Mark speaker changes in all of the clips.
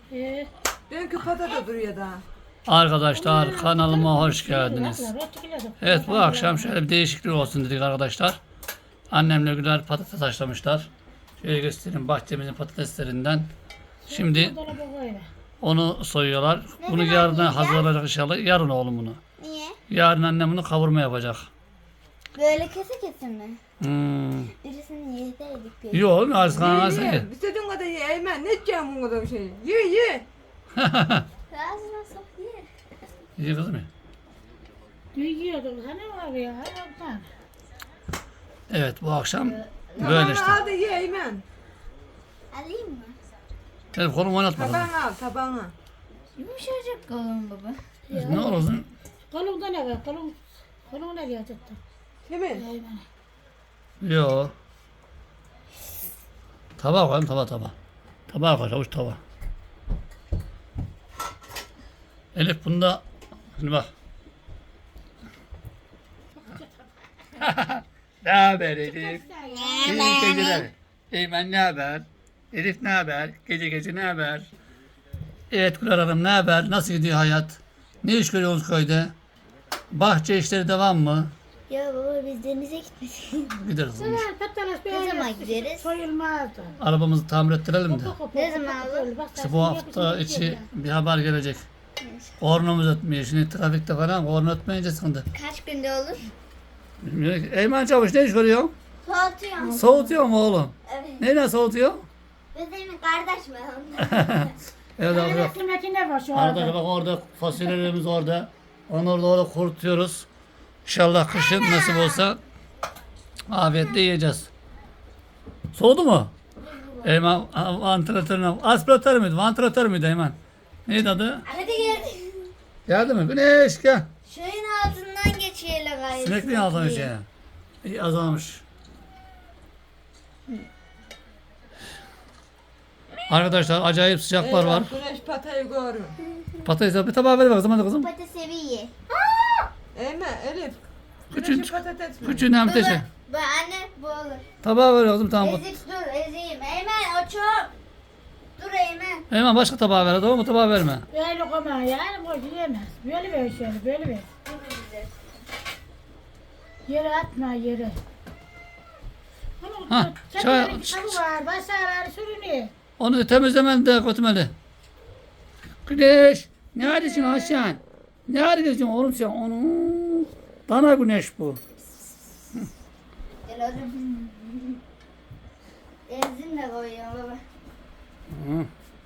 Speaker 1: Dünkü patates duruyor daha.
Speaker 2: Arkadaşlar kanalıma hoş geldiniz. Evet bu akşam şöyle bir değişiklik olsun dedik arkadaşlar. Annemle güzel patates haşlamışlar. Şöyle göstereyim bahçemizin patateslerinden. Şimdi onu soyuyorlar. Bunu yarına hazırlayacak inşallah. Yarın oğlum bunu.
Speaker 3: Niye?
Speaker 2: Yarın annem bunu kavurma yapacak.
Speaker 3: Böyle kese mi?
Speaker 2: Hmm.
Speaker 3: Birisini yedeydik.
Speaker 2: Yok az kanal sen ye.
Speaker 1: Ye. İstediğin kadar ye Eymen. Ne edeceğim bu kadar şey? Ye.
Speaker 3: Ağzına sok ye.
Speaker 2: İyi kızım ya.
Speaker 4: Yiyordum hani var ya hayattan.
Speaker 2: Evet bu akşam böyle işte.
Speaker 1: Tabağını al da ye Eymen.
Speaker 3: Alayım mı?
Speaker 2: Evet kolumu oynatma kızım.
Speaker 1: Tabağını al tabağını.
Speaker 3: Yumuşacık kalın baba.
Speaker 2: Ne olursun?
Speaker 4: Kolumda ne var? Kolum ne diyor tuttu?
Speaker 1: Değil mi?
Speaker 4: Eyvallah.
Speaker 2: Yok. Tabağa koyalım tabağa. Tabağa koy avuç tabağa. Elif bunda şimdi bak. Ne haber Elif? İyi geceler. Eymen ne haber? Elif ne haber? Gece ne haber? Evet Güler Hanım ne haber? Nasıl gidiyor hayat? Ne iş görüyorsunuz köyde? Bahçe işleri devam mı?
Speaker 3: Ya baba biz denize gitmedik.
Speaker 2: Gideriz.
Speaker 4: Sever patates
Speaker 3: Ne zaman gideriz?
Speaker 4: soyulmazdı.
Speaker 2: Arabamızı tamir ettirelim de.
Speaker 3: Ne zaman olur?
Speaker 2: İşte bu hafta içi bir haber gelecek. Kornamız ötmüyor. Şimdi trafikte falan korna ötmeyince sıkıntı.
Speaker 3: Kaç günde olur?
Speaker 2: Bilmiyorum ki. Eymen Çavuş ne iş görüyor?
Speaker 3: Soğutuyorum.
Speaker 2: Soğutuyor mu oğlum?
Speaker 3: Evet.
Speaker 2: Neyle soğutuyor?
Speaker 3: Benim kardeş mi?
Speaker 2: Evet arkadaşlar.
Speaker 4: Resimdeki ne var şu
Speaker 2: Arkadaşlar
Speaker 4: anda?
Speaker 2: bak orada fasulyelerimiz orada. Onu orada kurutuyoruz. İnşallah kışın nasip olsa afiyetle yiyeceğiz. Soğudu mu? Eymen vantilatörüne, aspiratör müydü? Vantilatör müydü Eymen? Neydi adı?
Speaker 3: Hadi gel.
Speaker 2: Geldi mi? Güneş gel.
Speaker 3: Şöyle altından geçiyle gayet.
Speaker 2: Sinekliğin altına şey. İyi azalmış. Arkadaşlar acayip sıcaklar var.
Speaker 1: Güneş patayı görün.
Speaker 2: Patates bir tabağa ver bakalım hadi kızım.
Speaker 3: Patates seviye.
Speaker 1: Eymen Elif.
Speaker 2: Küçük-
Speaker 1: Güneşi patates mi?
Speaker 2: Küçüğün hem teşe.
Speaker 3: Bu anne bu olur.
Speaker 2: Tabağa ver kızım tamam.
Speaker 3: Ezik dur ezeyim. Eymen o çok. Dur Eymen.
Speaker 2: Hemen başka tabağa ver tamam mı? Tabağa verme.
Speaker 4: Böyle koma yani boş yiyemez. Böyle ver şöyle böyle ver. Yere atma yere.
Speaker 2: Ha, çay-
Speaker 4: Çay. Kitabı var. Başarıları sürünüyor.
Speaker 2: Onu temizlemeli de götürmeli. Güneş. Ne hareketin Hasan? Ne hareketin oğlum sen? Onu. Dana güneş bu.
Speaker 3: Gel oğlum. Benzin de koyuyorum baba.
Speaker 2: Hı.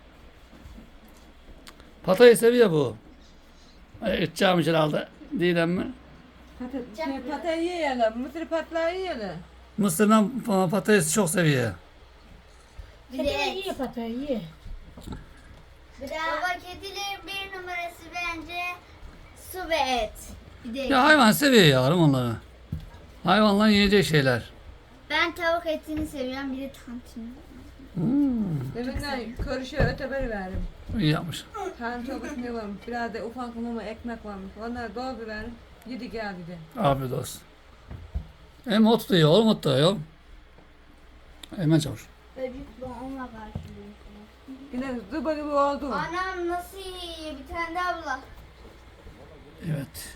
Speaker 2: Patates seviyor bu. İçeceğim herhalde. Değil mi?
Speaker 1: Patayı yiyelim. Mısır patlayı yiyelim.
Speaker 2: Mısır'la patatesi çok seviyor.
Speaker 3: Bir
Speaker 4: Bir
Speaker 3: de
Speaker 4: de
Speaker 3: et.
Speaker 4: iyi patayı iyi.
Speaker 3: Bir de baba kedilerin bir numarası bence su ve et. Bir de
Speaker 2: Ya hayvan seviyor yavrum onları. Hayvanlar yiyecek şeyler.
Speaker 3: ben tavuk etini seviyorum bir de tantuni.
Speaker 1: Deminden körüşe öteberi verdim.
Speaker 2: İyi yapmış.
Speaker 1: Kan çok ne varmış. Biraz da ufak mama ekmek varmış. Onları dolduruverim. Yedi geldi de.
Speaker 2: Afiyet olsun. Hem ot da yiyor oğlum ot da yiyor. Hemen çavuş.
Speaker 3: Böcük onunla karşılıyor.
Speaker 1: Yine zıba gibi oldu.
Speaker 3: Anam nasıl yiyor bir tane de abla.
Speaker 2: Evet.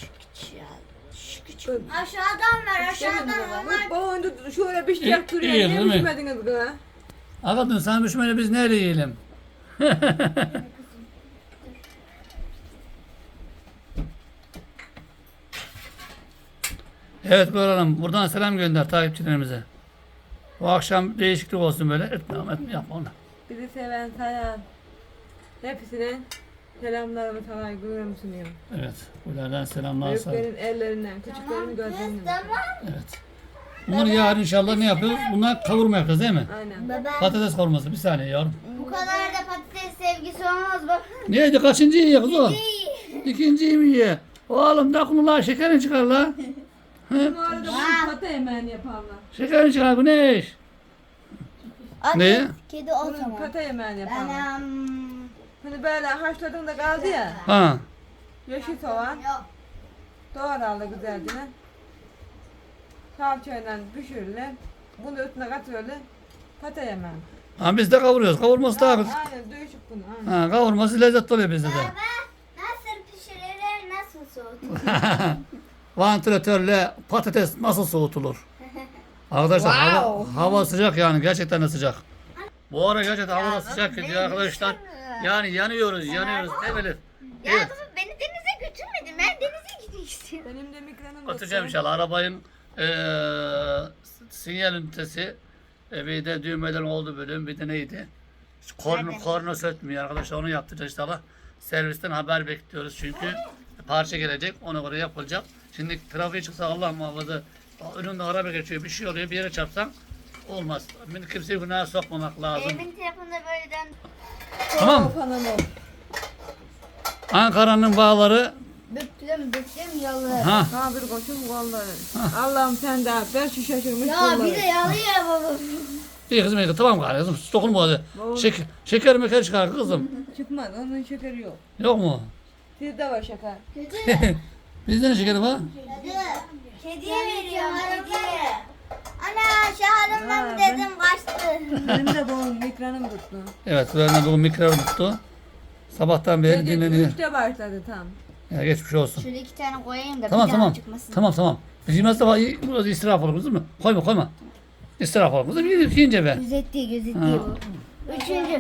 Speaker 3: Aşağıdan ver aşağıdan onlar.
Speaker 1: Boğundu şöyle bir şey
Speaker 2: İyi,
Speaker 1: yaptırıyor.
Speaker 2: iyi,
Speaker 1: Niye
Speaker 2: değil mi?
Speaker 1: düşmediniz kız?
Speaker 2: Hakikaten sen düşmeli biz nerede yiyelim? Evet Gülhan Hanım buradan selam gönder takipçilerimize. Bu akşam değişiklik olsun böyle. Etme yapma onu.
Speaker 1: Bizi seven sayan. Hepsine selamlarımı saygılarımı sunuyorum.
Speaker 2: Evet. Gülhan'dan selamlar sağ olun.
Speaker 1: Büyüklerin ellerinden, küçüklerin gözlerinden.
Speaker 3: Tamam.
Speaker 2: Evet. Bunları yarın inşallah ne yapıyoruz? Bunlar kavurma yapacağız değil mi?
Speaker 1: Aynen.
Speaker 3: Baba
Speaker 2: Patates kavurması bir saniye yavrum.
Speaker 3: bu kadar da patates sevgisi olmaz baba.
Speaker 2: Neydi kaçıncı yiyor kız o? İkinciyi mi yiyor? Oğlum dokunurlar şekerin çıkar la.
Speaker 1: Bu arada bunu pata yemeğini yaparlar.
Speaker 2: Şekerin çıkar Güneş. Ne?
Speaker 3: Kedi o
Speaker 1: Bunun
Speaker 3: zaman.
Speaker 1: pata yemeğini yaparlar.
Speaker 3: Anam.
Speaker 1: Hani böyle haşladığında kaldı ya.
Speaker 2: Ha.
Speaker 1: Yeşil soğan.
Speaker 3: Yok.
Speaker 1: Doğranlı güzelce. Salçayla pişirilir. Bunu üstüne katıyorlar. Pata yemeği.
Speaker 2: Ha, biz de kavuruyoruz. Kavurması daha güzel.
Speaker 1: Aynen değişik bunu. Aynen.
Speaker 2: Ha, kavurması lezzetli oluyor bizde de.
Speaker 3: Baba nasıl pişirilir, nasıl soğutulur?
Speaker 2: Vantilatörle patates nasıl soğutulur? Arkadaşlar hava sıcak yani gerçekten de sıcak. Bu ara gerçekten hava da sıcak gidiyor arkadaşlar. Yani yanıyoruz değil mi Elif?
Speaker 3: Ya
Speaker 2: Evet.
Speaker 3: baba beni denize götürmedin. Ben denize gitmek istiyorum.
Speaker 1: Benim de mikranım
Speaker 2: Atacağım inşallah. Arabanın sinyal ünitesi bir de düğmeden oldu bölüm bir de neydi? Korna sökmüyor arkadaşlar, onu yaptıracağız inşallah. Servisten haber bekliyoruz çünkü parça gelecek, ona göre yapılacak. Şimdi trafiğe çıksa Allah muhafaza önünde araba geçiyor, bir şey oluyor, bir yere çarpsan olmaz. Şimdi kimseyi günaha sokmamak lazım.
Speaker 3: Evimin telefonunda böyle dön.
Speaker 2: Tamam. Ankara'nın bağları
Speaker 3: Büktüm yalı.
Speaker 2: ha
Speaker 1: Ha bir koçum vallahi. Allah'ım sen de ver şu şaşırmış
Speaker 3: Ya
Speaker 1: kolları.
Speaker 3: bir de yalıyor baba.
Speaker 2: iyi kızım iyi tamam gari kızım dokunma hadi.
Speaker 1: Doğru.
Speaker 2: Şeker meker çıkar kızım.
Speaker 1: Çıkmadı onun şekeri yok.
Speaker 2: Yok mu?
Speaker 1: Sizde var şeker.
Speaker 3: Kötü.
Speaker 2: Bizde ne şekeri var?
Speaker 3: Kediye veriyorum kediye. Ana şaharımdan
Speaker 1: Ha,
Speaker 3: dedim kaçtı.
Speaker 1: Benim de bu mikranım tuttu.
Speaker 2: Evet, Süren'den bugün mikrofon tuttu. Sabahtan beri dinleniyor.
Speaker 1: 3'te başladı tam.
Speaker 2: Ya geçmiş olsun.
Speaker 3: Şöyle 2 tane koyayım da
Speaker 2: Tamam
Speaker 3: bir daha
Speaker 2: tamam.
Speaker 3: çıkmasın.
Speaker 2: Tamam. Biz yemez de burası israf olur kızım mı? Koyma. İsraf olur kızım. Yiyince be.
Speaker 3: Gözetti
Speaker 2: Ha.
Speaker 3: bu. Üçüncü.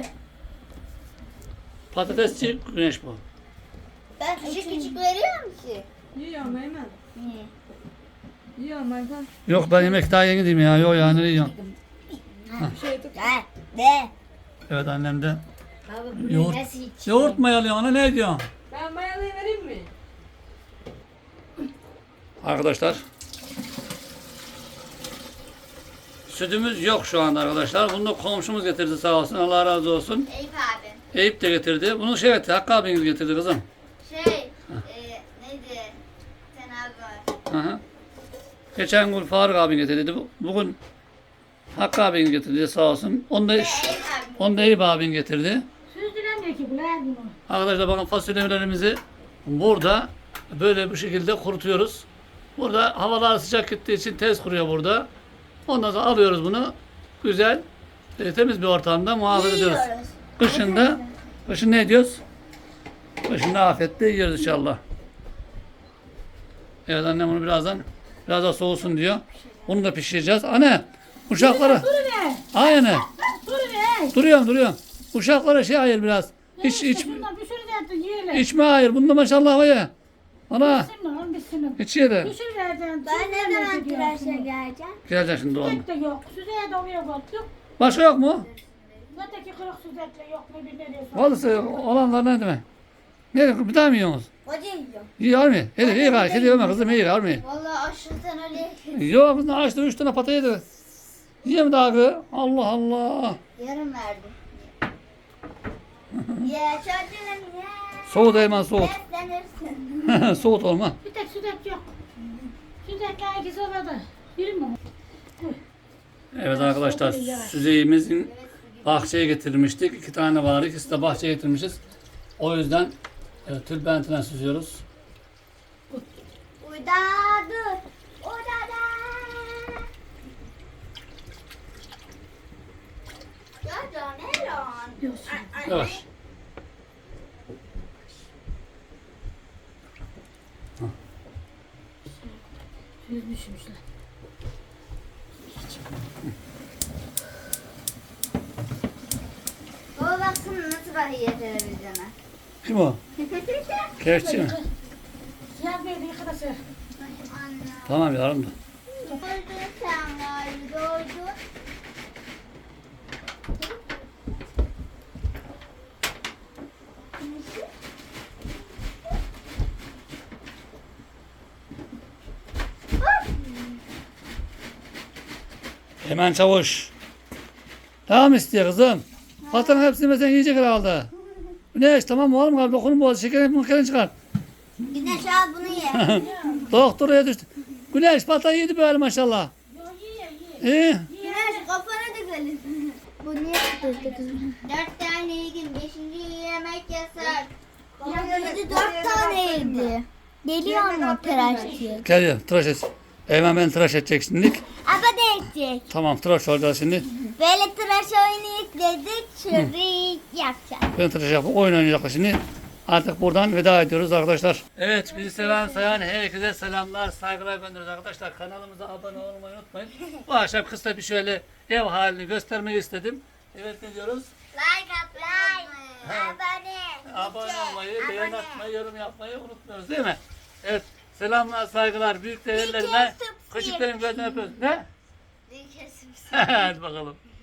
Speaker 2: Patatesçi güneş bu.
Speaker 3: Ben küçük veriyorum ki.
Speaker 1: Yiyorum hemen.
Speaker 3: Niye?
Speaker 1: Yiyorum Aykan.
Speaker 2: Yok ben yemek daha yeni diyeyim ya. Yok ya ne yiyorum.
Speaker 1: Bir şey tut.
Speaker 3: De.
Speaker 2: Evet annem de.
Speaker 3: Baba bu
Speaker 2: Yoğurt.
Speaker 3: nasıl hiç?
Speaker 2: Yoğurt mayalıyor ana ne diyorsun?
Speaker 1: Ben mayalıyı vereyim mi?
Speaker 2: Arkadaşlar. Sütümüz yok şu anda arkadaşlar. Bunu da komşumuz getirdi sağ olsun. Allah razı olsun.
Speaker 3: Eyüp abi.
Speaker 2: Eyüp de getirdi. Bunu şey etti. Hakkı abiniz getirdi kızım.
Speaker 3: Neydi? Sen abi var.
Speaker 2: Hı hı. Geçen gün Faruk abin getirdi. Bugün Hakkı abin getirdi sağ olsun. Onu da
Speaker 3: Eyüp abi.
Speaker 2: Onu da Eyüp abin getirdi.
Speaker 4: Süzdüremiyor ki bunlar bunu.
Speaker 2: Arkadaşlar bakın fasulyelerimizi burada böyle bu şekilde kurutuyoruz. Burada havalar sıcak gittiği için tez kuruyor burada. Ondan sonra alıyoruz bunu. Güzel, temiz bir ortamda muhafaza ediyoruz.
Speaker 3: Yiyoruz.
Speaker 2: Kışın ne ediyoruz? Kışın da afiyetle yiyoruz inşallah. Evet annem bunu biraz daha soğusun diyor. Onu da pişireceğiz. Anne, uşaklara.
Speaker 4: Dur be.
Speaker 2: Aynen.
Speaker 4: Dur be.
Speaker 2: Duruyorum. Uşaklara şey ayır biraz.
Speaker 4: Şundan bir sürü de yiyelim.
Speaker 2: İçme ayır. Bunda maşallah var ya. Ana.
Speaker 4: Bitsin lan bitsin.
Speaker 2: İç ye de.
Speaker 4: Bir sürü vereceğim.
Speaker 3: Ben ne zaman tıraşa geleceğim?
Speaker 2: Gelecek şimdi oğlum.
Speaker 4: Süzek de yok. Süzeğe de oraya koyduk.
Speaker 2: Başka yok mu?
Speaker 4: Öteki kırık süzekle yok ne bir nereye sok.
Speaker 2: Vallahi olanlar ne demek? Ne bir daha mı yiyorsunuz?
Speaker 3: Hoca yiyorum.
Speaker 2: İyi var mı? Hadi iyi var. Kedi yeme kızım iyi var mı?
Speaker 3: Valla aşırıdan öyle.
Speaker 2: Yok kızım açtı 3 tane patayı yedi. Yiyeyim daha kız. Allah Allah.
Speaker 3: Yarım verdim. Ya çocuğum ya.
Speaker 2: Soğut hemen soğut.
Speaker 3: Beslenirsin.
Speaker 2: Soğut olma.
Speaker 4: Bir tek süzek yok. Süzekler ikisi orada. Biri mi?
Speaker 2: Evet arkadaşlar süzeğimizin bahçeye getirmiştik. 2 tane var. İkisi de bahçeye getirmişiz. O yüzden tülbentine süzüyoruz.
Speaker 3: Uyda dur. Uyda. Ya Caneron.
Speaker 2: Yavaş.
Speaker 4: Süzmüşmüşler.
Speaker 3: Baba baksana nasıl bakıyor televizyona.
Speaker 2: Kim o? Kefçi mi?
Speaker 4: Siyah bir yıkadası.
Speaker 3: Anne.
Speaker 2: Tamam yavrum da.
Speaker 3: Doydu sen galiba doydu.
Speaker 2: Hemen çavuş. Devam istiyor kızım. Patanın hepsini sen yiyecek herhalde. Güneş tamam mı oğlum? Dokunun boğazı. Şekerini çıkar.
Speaker 3: Güneş al bunu ye.
Speaker 2: Doktora düştü. Güneş patayı yedi böyle maşallah.
Speaker 4: Yok yiye yiye.
Speaker 2: İyi.
Speaker 3: Güneş kafana dökelim. Bu niye tutuldu kızım? 4 tane yedin. 5. yemek yasak. Yedi 4 tane yedi. Geliyor mu tıraş diye?
Speaker 2: Gel tıraş et. Hemen ben tıraş edecek şimdilik.
Speaker 3: Ama edecek.
Speaker 2: Tamam tıraş olacağız şimdi.
Speaker 3: Böyle tıraş oyunu yükledik. Şurayı yapacağız.
Speaker 2: Ben tıraş yapıp oyun oynayacaklar şimdi. Artık buradan veda ediyoruz arkadaşlar. Evet bizi seven sayan herkese selamlar, saygılar gönderiyoruz arkadaşlar. Kanalımıza abone olmayı unutmayın. Bu akşam kısa bir şöyle ev halini göstermeyi istedim. Evet ne diyoruz?
Speaker 3: Like atmayı.
Speaker 2: Abone olmayı, beğen atmayı, yorum yapmayı unutmuyoruz değil mi? Evet selamlar, saygılar, büyük değerlerime, küçüklerin gözüne öpüyoruz. Ne? Hadi bakalım.